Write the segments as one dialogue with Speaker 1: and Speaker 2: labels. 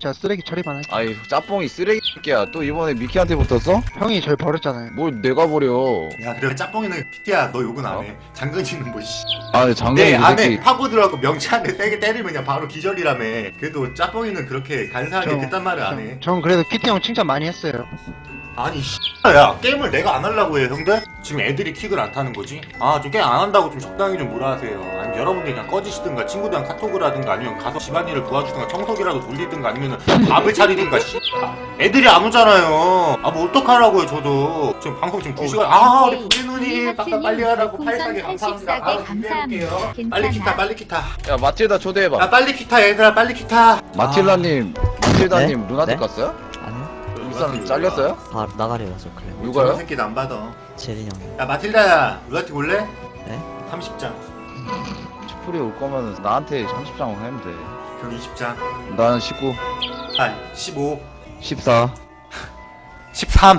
Speaker 1: 제가 쓰레기 처리만 할게요.
Speaker 2: 아이 짬뽕이 쓰레기야. 또 이번에 미키한테 붙었어?
Speaker 1: 형이 절 버렸잖아요.
Speaker 2: 뭘 내가 버려.
Speaker 3: 야 그래 짬뽕이는 PT야 너 욕은 안해 장근진은 뭐 씨.
Speaker 2: 아 장난이
Speaker 3: 내
Speaker 2: 그
Speaker 3: 안에
Speaker 2: 새끼.
Speaker 3: 파고 들어가고 명치한테 세게 때리면 그냥 바로 기절이라며. 그래도 짬뽕이는 그렇게 간사하게
Speaker 1: 저-
Speaker 3: 그딴 말을 안해.
Speaker 1: 전 그래도 PT 형 칭찬 많이 했어요.
Speaker 3: 아니 야 게임을 내가 안 하려고 해 형들? 지금 애들이 킥을 안 타는 거지? 아 좀 게임 안 한다고 좀 적당히 좀 뭐라 하세요. 아니면 여러분들이 그냥 꺼지시든가 친구들이랑 카톡을 하든가 아니면 가서 집안일을 도와주든가 청소기라도 돌리든가 아니면 밥을 차리든가 씨. 애들이 안 오잖아요. 아 뭐 어떡하라고요 저도. 지금 방송 지금 2시간 아 우리 부리 누님 깜짝 빨리 하라고 84개 감사합니다. 바로 준비해볼게요. 빨리 킥타 빨리 킥타.
Speaker 2: 야 마틸다 초대해봐.
Speaker 3: 아 빨리 킥타 얘들아 빨리 킥타.
Speaker 2: 마틸다님 루나틱
Speaker 4: 네?
Speaker 2: 갔어요?
Speaker 4: 아니요?
Speaker 2: 울산 잘렸어요?
Speaker 4: 아 나가리라서 그래.
Speaker 3: 저
Speaker 2: 누가요?
Speaker 3: 새끼도 안 받아.
Speaker 4: 제린 형이.
Speaker 3: 야 마틸다야 루나틱 올래?
Speaker 4: 네?
Speaker 3: 30장
Speaker 2: 슈프리 올 거면 나한테 30장 하면 돼.
Speaker 3: 그럼 20장
Speaker 2: 난 19,
Speaker 3: 아 15
Speaker 2: 14,
Speaker 3: 13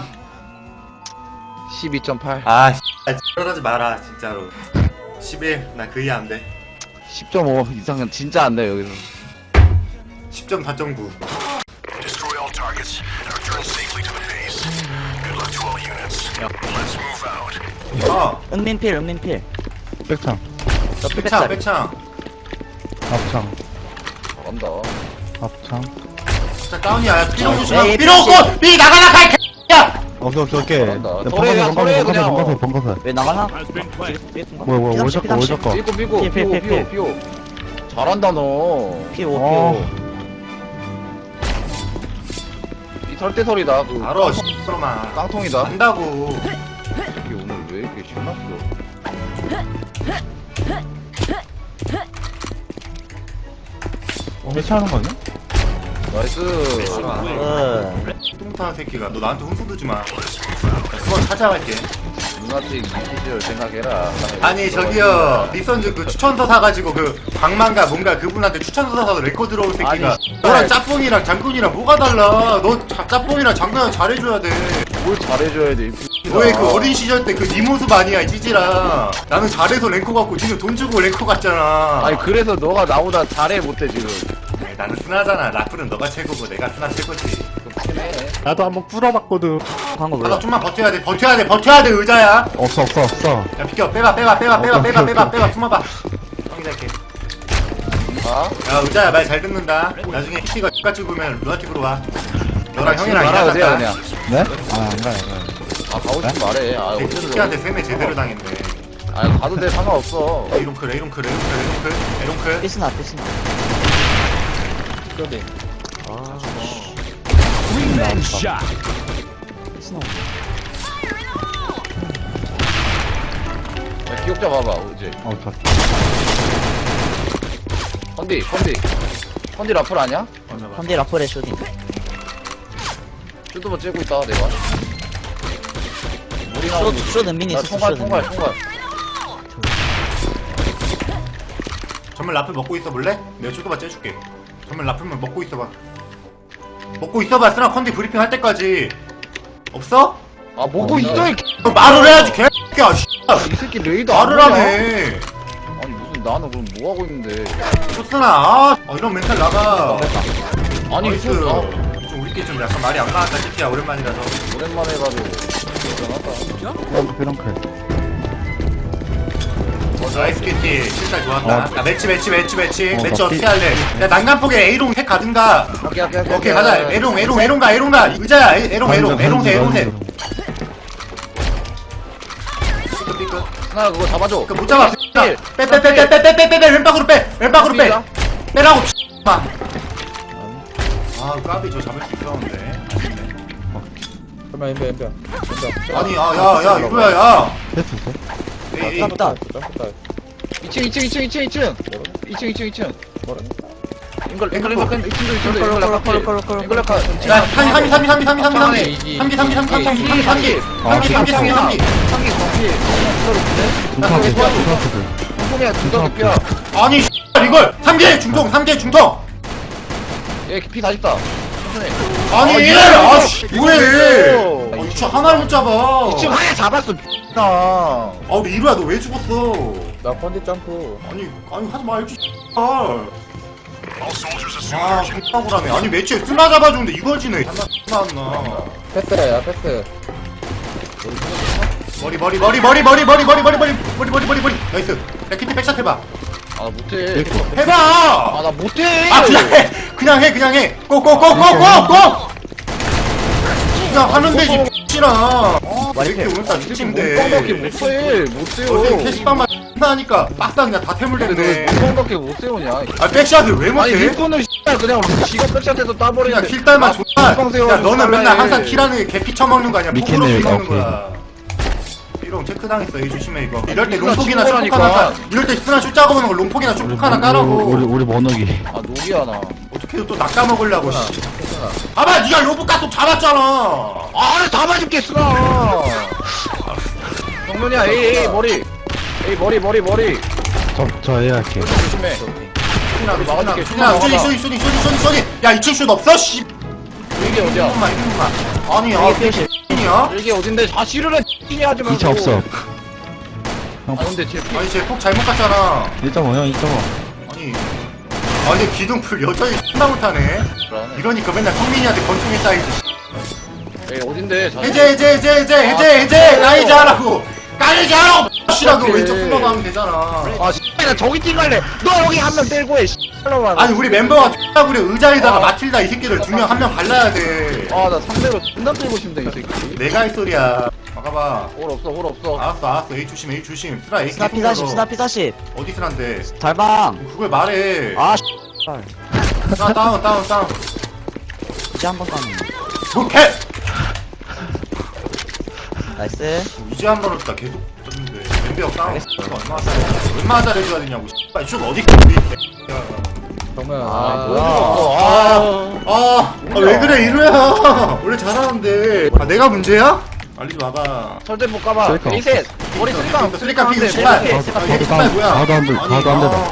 Speaker 2: 12.8,
Speaker 3: 아 그러지 마라 진짜로 11 나 그 이해 안돼
Speaker 2: 10.5 이상은 진짜 안 돼 여기서.
Speaker 3: 10.4.9
Speaker 5: Destroy all targets and return safely to the base. Good luck to all units. Let's move out.
Speaker 4: 은민필.
Speaker 1: 백창,
Speaker 3: 백창 백창
Speaker 1: 앞창,
Speaker 2: 잘한다.
Speaker 1: 앞창.
Speaker 3: 진짜 다운이야 야, 삐롱 조심하
Speaker 4: 에이,
Speaker 3: 삐롱 꽃! 삐 나가라 가 야!
Speaker 1: 오케이.
Speaker 2: 잘한다. 서래 그냥.
Speaker 1: 번거세.
Speaker 4: 왜 나가나?
Speaker 1: 뭐야, 월작가.
Speaker 2: 삐고
Speaker 4: 필.
Speaker 2: 피오. 잘한다 너.
Speaker 4: 피오
Speaker 1: 어.
Speaker 2: 이 설대설이다. 그
Speaker 3: 알아 씨로마
Speaker 2: 깡통이다.
Speaker 3: 안다고
Speaker 2: 이게 오늘 왜 이렇게 신났어?
Speaker 1: 해체하는 거 아니야?
Speaker 2: 나이스.
Speaker 3: 뚱뚱한 새끼가 너 나한테 훈수 두지 마 수원 찾아갈게
Speaker 2: 루나틱 시절 생각해라.
Speaker 3: 아니 저기요 리선즈 그 추천서 사가지고 그 방망가 뭔가 그분한테 추천서 사서 레코드 들어올 새끼가
Speaker 2: 아니,
Speaker 3: 너랑 짬뽕이랑 장군이랑 뭐가 달라 너 짬뽕이랑 장군이랑 잘해줘야 돼
Speaker 2: 뭘 잘해줘야 돼.
Speaker 3: 너의 그 어린 시절 때 그 네 모습 아니야 이 찌질아 나는 잘해서 랭커 갖고 니는 돈 주고 랭커 갔잖아
Speaker 2: 아니 그래서 너가 나보다 잘해 못해 지금.
Speaker 3: 아니, 나는 스나잖아 라플은 너가 최고고 내가 스나 최고지
Speaker 1: 나도 한번 꿇어봤거든.
Speaker 4: 광고
Speaker 3: 아,
Speaker 4: 몰라.
Speaker 3: 너 좀만 버텨야 돼 의자야
Speaker 1: 없어.
Speaker 3: 야 비켜 빼봐 숨어봐 형이 할게
Speaker 2: 아?
Speaker 3: 야 의자야 말 잘 듣는다 나중에 PT가 X같이 보면 루나틱으로 와 너랑
Speaker 2: 지금
Speaker 3: 형이랑
Speaker 2: 말하세요
Speaker 3: 이야기하자
Speaker 2: 그냥.
Speaker 1: 네? 안 가요.
Speaker 2: 아 가고 싶으면 말해. 아 어쨌든.
Speaker 3: PT한테 세매 제대로 당했네
Speaker 2: 아 가도 돼 상관없어.
Speaker 3: 에이롱클
Speaker 4: 삐스나.
Speaker 2: 그런데.
Speaker 4: 아. 삐스나.
Speaker 2: 야, 기억자 봐봐 이제.
Speaker 1: 좋았어.
Speaker 2: 컨디 라플 아니야?
Speaker 4: 컨디 라플의 쇼딩.
Speaker 2: 슈드만 째고 있다 내가. 우리 나오는
Speaker 4: 쇼 은민이
Speaker 2: 나
Speaker 4: 있었어.
Speaker 2: 총괄.
Speaker 3: 전멸 라플 먹고 있어 볼래? 내가 쇼도바 째줄게 전멸 라플만 먹고 있어봐 스나 컨디 브리핑 할 때까지 없어?
Speaker 2: 아 먹고 있어 이
Speaker 3: 너 말을 해야지 개X야 씨
Speaker 2: 이 새끼 레이더
Speaker 3: 말을
Speaker 2: 안
Speaker 3: 하네
Speaker 2: 보냐? 아니 무슨 나는 그럼 뭐 하고 있는데?
Speaker 3: 쇼스나 이런 멘탈 나가
Speaker 2: 아니
Speaker 3: 나이스.
Speaker 2: 좀
Speaker 3: 좀 우리끼리 좀 약간 말이 안 나왔다 CT야 오랜만이라서
Speaker 2: 오랜만에 해가지고 대단하다.
Speaker 1: 그런클.
Speaker 3: 나이스 KT 실잘 좋았다 야 매치 어떻게
Speaker 1: 피-
Speaker 3: 할래 야 난간폭에 A롱 택 가든가 오케이 가자 A롱 가 의자야 A롱 세 삐끗
Speaker 2: 나 그거 잡아줘.
Speaker 3: 못 잡아
Speaker 2: 필.
Speaker 3: 빼 왼쪽으로 빼라고 아 까비 저 잡을 수 있었는데 아니 야 이거야 야
Speaker 1: 됐어.
Speaker 3: 에이
Speaker 4: 깝다.
Speaker 2: 2층. 앵글 2층도
Speaker 3: 야,
Speaker 2: 중통이야.
Speaker 3: 아니 이걸 3개 중통
Speaker 2: 얘피 40다.
Speaker 3: 아니 아씨 뭐해 유치 하나를 못 잡아
Speaker 2: 2층 하나 잡았어. 나.
Speaker 3: 아 우리 이루야 너 왜 죽었어
Speaker 6: 나 컨디 점프.
Speaker 3: 아니 하지 말지 아
Speaker 5: All soldiers assume
Speaker 3: 아
Speaker 5: their
Speaker 3: X라고라며. 아니 매치에 쓰나 잡아주는데 이걸 지네. 나왔나.
Speaker 2: 패스야 패스.
Speaker 3: 머리 나이스. 야 키트 백샷 해봐.
Speaker 2: 아 나 못해.
Speaker 3: 해봐.
Speaker 2: 아 나 못해.
Speaker 3: 아 그냥 해 고고고고고고 그냥 하면 되지 X랑. 왜 이렇게 오늘따라
Speaker 2: 밖에
Speaker 3: 미친데.
Speaker 2: 못해.
Speaker 3: 어제
Speaker 2: 못해요.
Speaker 3: 캐시빵만 하니까 빡다 그냥 다 태물됐네.
Speaker 2: 물방밖에 못 세우냐?
Speaker 3: 아 백샷을 왜
Speaker 2: 아니
Speaker 3: 못해?
Speaker 2: 릴코는 그냥 지가 백샷해서
Speaker 3: 그냥
Speaker 2: 따버리는데.
Speaker 3: 킬딸만 존나.
Speaker 2: 물방
Speaker 3: 야 너는 맨날
Speaker 2: 달라해.
Speaker 3: 항상 킬하는 게 개피 처먹는 거 아니야? 폭으로
Speaker 1: 미키네,
Speaker 3: 킬 먹는
Speaker 1: 오케이.
Speaker 3: 거야. 이런 체크당했어. 이 조심해 이거. 이럴 때
Speaker 2: 이거
Speaker 3: 롱폭이나
Speaker 2: 친구라니까.
Speaker 3: 쇼폭 하나 이럴 때 스나 슛 작업하는 거 롱폭이나 쇼폭 하나 까라고.
Speaker 1: 우리 번호기.
Speaker 2: 아 녹이야 나.
Speaker 3: 어떻게 또 낚아먹으려고 씨. 봐봐 니가 로봇 가속 잡았잖아.
Speaker 2: 아다 맞을겠어. 정면이야 에이 머리. 에이 머리.
Speaker 1: 저 A 할게.
Speaker 2: 조심해. 막아줄게.
Speaker 3: 야 슈딩. 야 2층 슛 없어? 씨.
Speaker 2: 이게 어디야?
Speaker 3: 1분만. 아니 야
Speaker 4: 이게 필.
Speaker 3: 이야?
Speaker 2: 이게 어딘데? 아 씨르래 X니 하지 말고.
Speaker 1: 2차 없어.
Speaker 2: 아 근데 쟤 피.
Speaker 3: 아니 쟤폭 잘못 갔잖아.
Speaker 1: 1.5 형 2.5.
Speaker 3: 아니 기둥풀 여전히 X나 못하네. 이러니까 맨날 성민이한테 권총에 쌓이지.
Speaker 2: 에이 어딘데?
Speaker 3: 해제 까이지 하라고 씨라고 왼쪽 숨어가면 되잖아.
Speaker 2: 아 씨나 저기 뛰갈래. 너 여기 한 명 때리고 해. 씨발로만.
Speaker 3: 아니 우리 멤버가 X나 그래 의자에다가 마틸다 이 새끼들 두 명 한 명 갈라야 돼.
Speaker 2: 아나 상대로 존나 때리고 싶네 이 새끼.
Speaker 3: 내가 할 소리야. 막아봐.
Speaker 2: 홀 없어.
Speaker 3: 알았어 A 조심 스나 AK
Speaker 4: 스나 P40 스나 P40
Speaker 3: 어디 스나인데
Speaker 4: 달방.
Speaker 3: 그걸 말해.
Speaker 4: 아
Speaker 3: 스나 다운
Speaker 4: 이제 한번 까는.
Speaker 3: 오케이.
Speaker 4: 나이스.
Speaker 3: 이제 한 번 했다 계속 떴는데 멤버 다운 얼마나 잘해줘야 되냐고. 씨발 슛 어디 있겠니?
Speaker 2: 정말
Speaker 3: 왜 그래 이루야. 원래 잘하는데. 아 내가 문제야? 알리지 마봐.
Speaker 2: 절대 못 가봐.
Speaker 1: 쓸까?
Speaker 2: 리셋. 머리 쓰리깡.
Speaker 3: 쓰리깡 피
Speaker 2: 쓰리깡.
Speaker 3: 씨발.
Speaker 1: 사도
Speaker 3: 뭐야?
Speaker 1: 사도 안 돼. 사도 안 돼.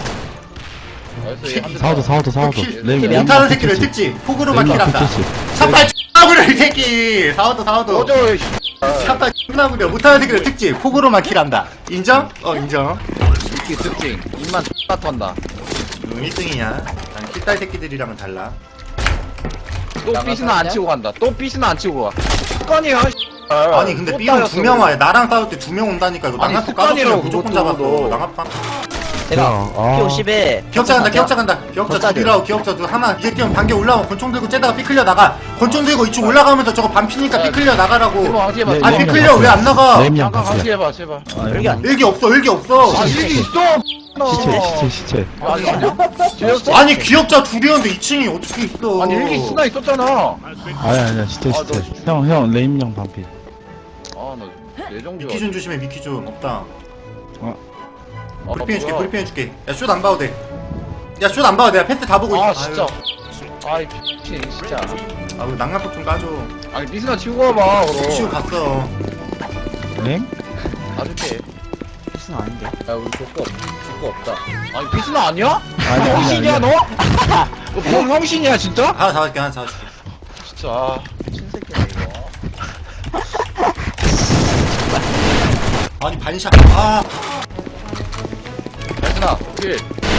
Speaker 1: 사도.
Speaker 3: 못하는 새끼를 특지 폭으로만 킬한다. 샷발 X나구려 이 새끼. 사워도
Speaker 2: 꺼져.
Speaker 3: 샷발 X나구려 못하는 새끼를 특지 폭으로만 킬한다. 인정? 인정.
Speaker 2: 이렇게 특징. 입만 X나 턴다.
Speaker 3: 1등이냐? 난 킬딸 새끼들이랑은 달라.
Speaker 2: 또 삐스는 안 치고 간다. 또 삐스는 안 치고 가. 습관이야.
Speaker 3: 아니 근데 B는 2명 와요. 나랑 싸울 때 2명 온다니까. 이거
Speaker 2: 아니,
Speaker 3: 낭합
Speaker 2: 습관이라고,
Speaker 3: 까졌으면 무조건
Speaker 2: 그것도.
Speaker 3: 잡았어. 낭합
Speaker 4: 제가 P50에
Speaker 3: 기억자 간다. 기억자 둘이라고 기억자 둘 하나. 이제 뛰면 반개 올라오면 권총 들고 째다가 삐클려 나가. 권총 들고 이쪽 올라가면서 저거 반피니까 삐클려 나가라고.
Speaker 2: 이거 항시해봐.
Speaker 1: 네,
Speaker 3: 아
Speaker 1: 네.
Speaker 3: 삐클려 왜 안 나가?
Speaker 1: 램이랑
Speaker 2: 잠깐
Speaker 1: 같이.
Speaker 2: 항시해봐 제발.
Speaker 4: 여기 안
Speaker 3: 일기 없어.
Speaker 2: 아 일기 있어.
Speaker 1: 시체.
Speaker 2: 아니 아니야? 지렸어?
Speaker 3: 아니 기억자 둘이었는데 2층이 어떻게 있어?
Speaker 2: 아니 일기 쓰나 있었잖아.
Speaker 1: 아니야 시체. 형 레임형 반피.
Speaker 2: 아나 예정주.
Speaker 3: 미키준 조심해. 미키준 없다.
Speaker 2: 아,
Speaker 3: 브리핑 해줄게. 야 슛 안 봐도 돼. 야 슛 안 봐도 돼. 패스 다 보고
Speaker 2: 아
Speaker 3: 있어.
Speaker 2: 진짜. 아이 미친 진짜.
Speaker 3: 아유 낭만폭 좀 까줘.
Speaker 2: 아니 미스나 치고 가봐
Speaker 3: 치우
Speaker 2: 그럼.
Speaker 3: 갔어.
Speaker 1: 램?
Speaker 2: 봐줄게.
Speaker 4: P는 아닌데.
Speaker 2: 야 우리 줄거 없다. 아니 미스나 아니야?
Speaker 1: 아니,
Speaker 2: 형신이야 너? 너 형신이야 진짜?
Speaker 3: 하나 잡아줄게.
Speaker 2: 진짜 아, 미친 새끼야 이거.
Speaker 3: 아니 반샷.
Speaker 2: 미스나 킬.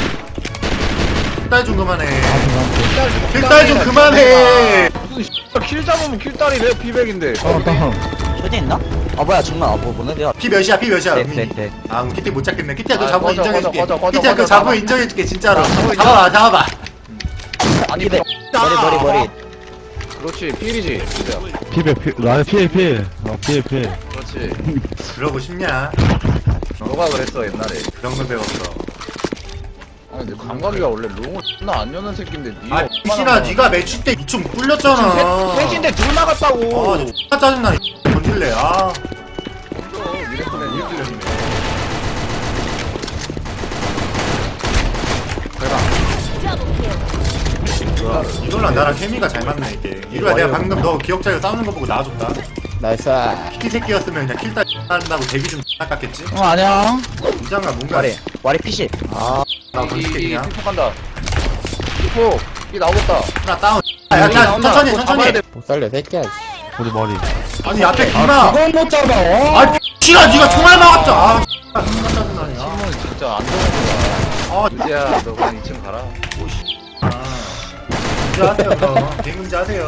Speaker 3: 킬딸 좀 그만해.
Speaker 2: 킬딸
Speaker 3: 킬딸 좀 그만해.
Speaker 2: 무슨 씨발 킬 잡으면 킬딸이 왜 피백인데?
Speaker 1: 다운.
Speaker 4: 쇼디 있나? 아 뭐야 정말 뭐네 내가.
Speaker 3: 피 몇이야?
Speaker 4: 네.
Speaker 3: 아 그럼 키티 못 잡겠네. 키티야 너
Speaker 2: 아,
Speaker 3: 잡으면
Speaker 2: 꺼져,
Speaker 3: 인정해줄게.
Speaker 2: 꺼져, 꺼져,
Speaker 3: 키티야 그
Speaker 2: 꺼져,
Speaker 3: 잡으면
Speaker 2: 잡아.
Speaker 3: 인정해줄게 진짜로.
Speaker 2: 잡아,
Speaker 3: 잡아봐.
Speaker 2: 아니
Speaker 4: 피백. 머리.
Speaker 2: 그렇지 필이지.
Speaker 1: 나의 필.
Speaker 2: 그렇지.
Speaker 3: 그러고 싶냐?
Speaker 2: 너가 그랬어 옛날에.
Speaker 3: 그런 걸 배웠어.
Speaker 2: 아니 근데 감각이가 원래 롱을 존나 안 여는 새끼인데 니가
Speaker 3: 아 미신아 네가 매치 때 2층 뚫렸잖아.
Speaker 2: 셋인데 둘 나갔다고.
Speaker 3: 아 진짜 짜증나. 건질래.
Speaker 2: 미래클랜
Speaker 3: 뚫렸네. 이걸로 나랑 케미가 잘 맞네 이게. 이거야 내가 방금 너 기억자를 싸우는 거 보고 나와줬다.
Speaker 4: 나이스.
Speaker 3: 키티 새끼였으면 그냥 킬딸 한다고 데뷔 좀 깎았겠지?
Speaker 4: 안녕.
Speaker 3: 이장가 뭔가
Speaker 4: 와리 P10.
Speaker 3: 나 던질게
Speaker 2: 이
Speaker 3: 그냥.
Speaker 2: 피폭 간다. 피폭 이 나오겠다.
Speaker 3: 하나 다운. 야 천천히.
Speaker 4: 못 살려 새끼야.
Speaker 1: 우리 머리.
Speaker 3: 아니 앞에 기마.
Speaker 4: 그건 못 잡아.
Speaker 3: 아 씨가 네가 총알 막았자. 짜증나네.
Speaker 2: 신문 진짜 안 좋은 거야.
Speaker 3: 아
Speaker 2: 이제야 너 그냥 2층 가라.
Speaker 3: 문제 하세요 그럼. 게임 문제 하세요.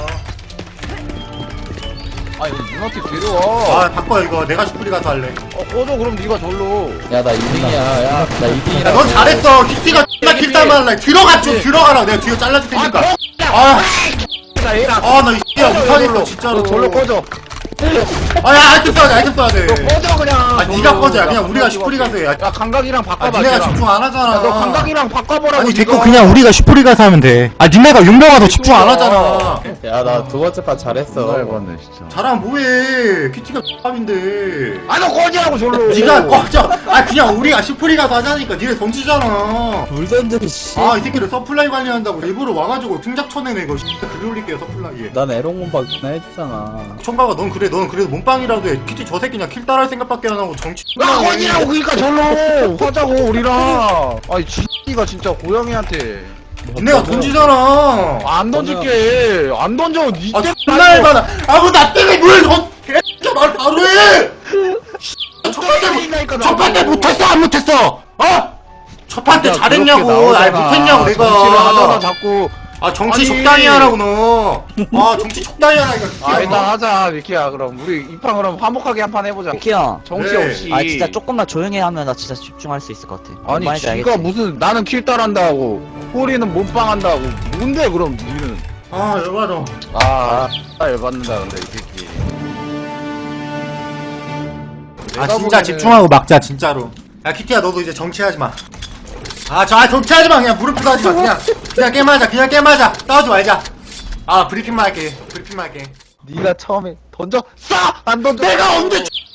Speaker 2: 아 이거 누나티 데려와.
Speaker 3: 아 바꿔 이거. 내가 슈프리 가서 할래.
Speaker 2: 꺼져 그럼 네가 절로.
Speaker 4: 야 나 2등이야. 야 나 2등이라.
Speaker 3: 야, 넌 잘했어. 키티가 X나 킬따만 할래. 들어가 좀 들어가라. 내가 뒤에 잘라줄 테니까. 아,
Speaker 2: 나 얘랑.
Speaker 3: 나 이씨야 못하겠어 진짜로.
Speaker 2: 절로 꺼져.
Speaker 3: 야 아이템 써야 돼. 아이템 써야 돼.
Speaker 2: 너 꺼져 그냥.
Speaker 3: 네가 꺼져. 그냥 우리가 슈프리 가서 해.
Speaker 2: 야 감각이랑 바꿔봐.
Speaker 3: 니네가
Speaker 2: 걔랑.
Speaker 3: 집중 안 하잖아.
Speaker 2: 야, 너 감각이랑 바꿔보라고.
Speaker 3: 아니
Speaker 2: 네가.
Speaker 3: 됐고 그냥 우리가 슈프리 가서 하면 돼. 니네가 용병아 너 집중 안 하잖아.
Speaker 4: 야 나 두 번째 판 잘했어.
Speaker 1: 해봤네 진짜.
Speaker 3: 잘하면 뭐해. 키티가 X밥인데.
Speaker 2: 너 꺼지라고 절로.
Speaker 3: 니가 꺼져. 그냥 우리가 슈프리 가서 하자니까 니네 던지잖아.
Speaker 4: 불 던져 씨.
Speaker 3: 이 새끼를 서플라이 관리한다고 일부러 와가지고 등작 쳐내네 이거. 글 올릴게요 서플라이에.
Speaker 4: 난 에롱문 박나 했잖아.
Speaker 3: 총각아 넌 그래도 몸빵이라도 해. 키티 저 새끼 그냥 킬 따라할 생각밖에 안 하고 정치
Speaker 2: 야 꺼지라고 그니까 절로. 하자고 우리랑. 아이 지가 진짜 고양이한테.
Speaker 3: 니네가 던지잖아.
Speaker 2: 안 던질게. 안 던져. 니 때문에.
Speaker 3: 존나 열받아. 나 때문에 뭘 개X야 말 바로 해. 첫 판때 못했어 안 못했어? 첫 판때 잘했냐고. 못했냐고
Speaker 2: 정치를 하다가
Speaker 3: 내가.
Speaker 2: 자꾸.
Speaker 3: 정치
Speaker 2: 아니.
Speaker 3: 적당히 하라고 너. 정치 적당히 하라니까.
Speaker 2: 일단 하자 미키야. 그럼 우리 이 판 그럼 화목하게 한 판 해보자.
Speaker 6: 키야.
Speaker 2: 정치
Speaker 3: 네.
Speaker 2: 없이.
Speaker 6: 아 진짜 조금만 조용히 하면 나 진짜 집중할 수 있을 것 같아. 뭔
Speaker 2: 아니
Speaker 6: 말인지
Speaker 2: 지가
Speaker 6: 알겠지?
Speaker 2: 무슨 나는 킬 따란다고 호리는 몸빵한다고 뭔데 그럼 니는.
Speaker 3: 열받아.
Speaker 2: 열받는다 근데 이 새끼.
Speaker 3: 진짜 집중하고 막자 진짜로. 야 키티야 너도 이제 정치하지 마. 정치하지 마. 그냥 무릎 꿇고 하지 마. 그냥 게임하자. 그냥 게임하자. 싸우지 말자. 브리핑만 할게.
Speaker 2: 네가 처음에 던져 안 던져.
Speaker 3: 내가 언제